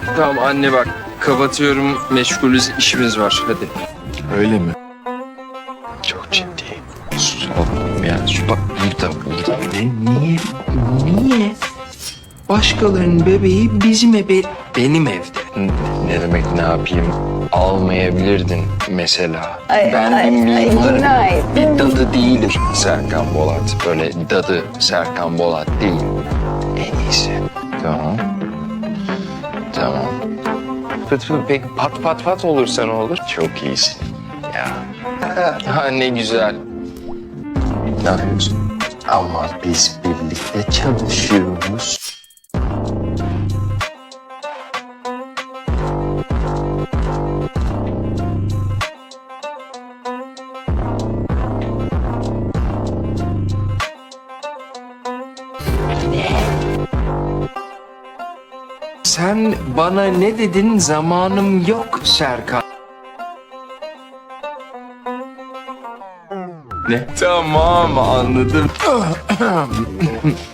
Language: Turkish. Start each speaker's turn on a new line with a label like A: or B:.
A: Tamam anne bak. Kapatıyorum. Meşgulüz, işimiz var. Hadi.
B: Öyle mi?
A: Çok ciddi. Oğlum ya şu bak burada. Niye? Başkalarının bebeği bizim benim evde. Ne demek ne yapayım? Almayabilirdin mesela. Ben bir mimarım. Bir dadı değilim Serkan Bolat. Böyle dadı Serkan Bolat değil. En iyisi. Tamam. Peki pat olursa ne olur? Çok iyisin. Ya. Ha ne güzel. Ne yapıyorsun? Ama biz birlikte çalışıyoruz. Sen bana ne dedin? Zamanım yok Serkan. Ne? Tamam anladım.